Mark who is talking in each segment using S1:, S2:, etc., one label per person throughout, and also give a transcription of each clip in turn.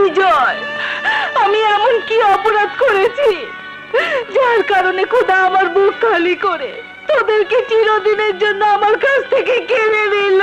S1: বিজয়, আমি এমন কি অপরাধ করেছি যার কারণে খোদা আমার বুক খালি করে তোদেরকে চিরদিনের জন্য আমার কাছ থেকে কেড়ে নিল?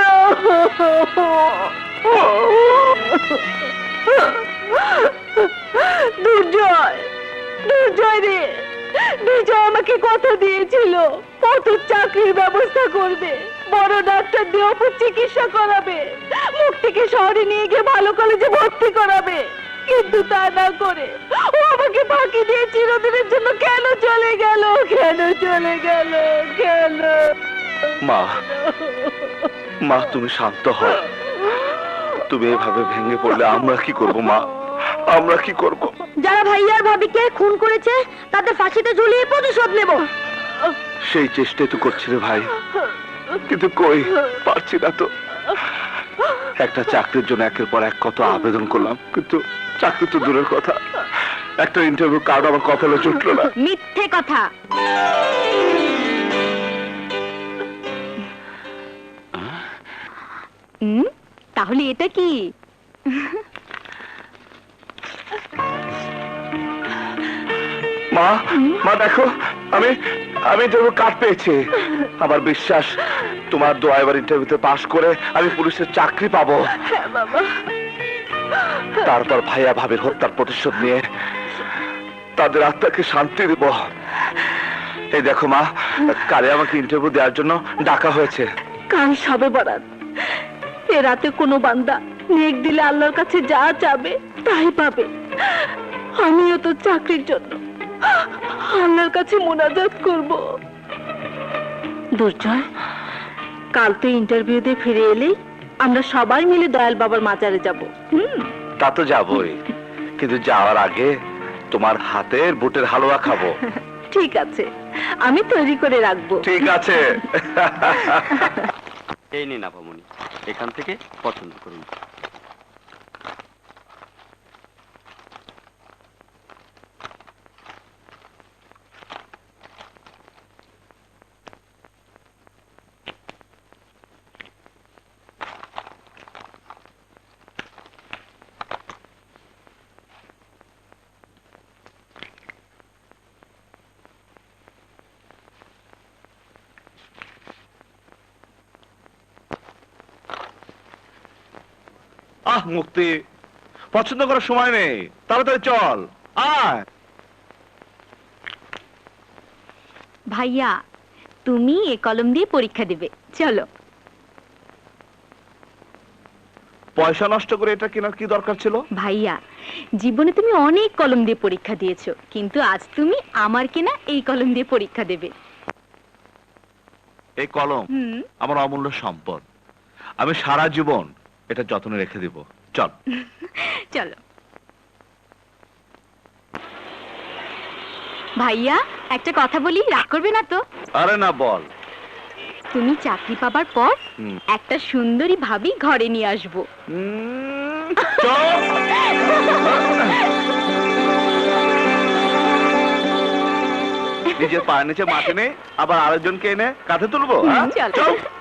S1: দুর্জয়, দুর্জয় রে, বিজয় আমাকে কথা দিয়েছিল কত চাকরির ব্যবস্থা করবে, বড় ডাক্তার দিয়ে অপুর চিকিৎসা করাবে, মুক্তিকে শহরে নিয়ে গিয়ে ভালো কলেজে ভর্তি করাবে। কিন্তু তা না করে ও আমাকে ফাঁকি দিয়ে চিরদিনের জন্য কেন চলে গেল? কেন চলে গেল? কেন?
S2: মা, মা তুমি শান্ত হও। তুমি এভাবে ভেঙে পড়লে আমরা কি করব মা? আমরা কি করব?
S1: যারা ভাইয়ার ভাবিকে খুন করেছে তাদের ফাঁসিতে ঝুলিয়ে প্রতিশোধ নেব।
S2: সেই চেষ্টাই তো করছি রে ভাই, কিন্তু কই পারছি না তো। একটা চাকরির জন্য একের পর এক কত আবেদন করলাম, কিন্তু চাকরি তো দূরের কথা, একটা ইন্টারভিউ কার্ড আমার কপালে জুটলো না।
S1: মিথ্যে কথা। তাহলে এটা কি?
S2: মা, মা দেখো, আমি ইন্টারভিউ কার্ড পেয়েছি। আমার বিশ্বাস তোমার দোয়া এবার ইন্টারভিউতে পাশ করে আমি পুলিশের চাকরি পাবো।
S1: হ্যাঁ বাবা।
S2: তারপর ভাইয়া ভাবির হত্যার প্রতিশোধ নিয়ে তাদের আত্মাকে শান্তি দেব। এই দেখো মা, কালে আমাকে ইন্টারভিউ দেওয়ার জন্য ডাকা হয়েছে।
S1: কাল সবে বরাত, এ রাতে কোনো বান্দা নেক দিলে আল্লাহর কাছে যা চাবে তাই পাবে। আমিও তো চাকরির জন্য আল্লাহর কাছে মুনাজাত করব। দুর্জয়, কাল তো ইন্টারভিউ দিয়ে ফিরে এলেই আমরা সবাই মিলে দয়াল বাবার মাজারে যাব।
S2: তা তো যাবই, কিন্তু যাওয়ার আগে তোমার হাতের বুটের হালুয়া খাবো।
S1: ঠিক আছে, আমি তৈরি করে রাখবো।
S2: ঠিক আছে।
S3: এই নিন আপামনি, এখান থেকে পছন্দ করুন।
S2: আহ মুক্তি, পছন্দ করার সময় নেই, তাড়াতাড়ি চল আয়।
S1: ভাইয়া, তুমি এ কলম দিয়ে পরীক্ষা দিবে, চলো।
S2: পয়সা নষ্ট করে এটা কেনার কি দরকার ছিল?
S1: ভাইয়া, জীবনে তুমি অনেক কলম দিয়ে পরীক্ষা দিয়েছো, কিন্তু আজ তুমি আমার কেনা এই কলম দিয়ে পরীক্ষা দেবে।
S2: এই কলম আমার অমূল্য সম্পদ, আমি সারা জীবন এটা যত্নে রেখে দিব। চল
S1: চলো। ভাইয়া, একটা কথা বলি, রাগ করবে না তো?
S2: আরে না, বল।
S1: তুমি চাকরি পাবার পর একটা সুন্দরী ভাবি ঘরে নিয়ে আসবো।
S2: নিজের পায়ের নিচে মাটি নেই, আবার আরেকজনকে এনে কাঁধে তুলবো?
S1: চল।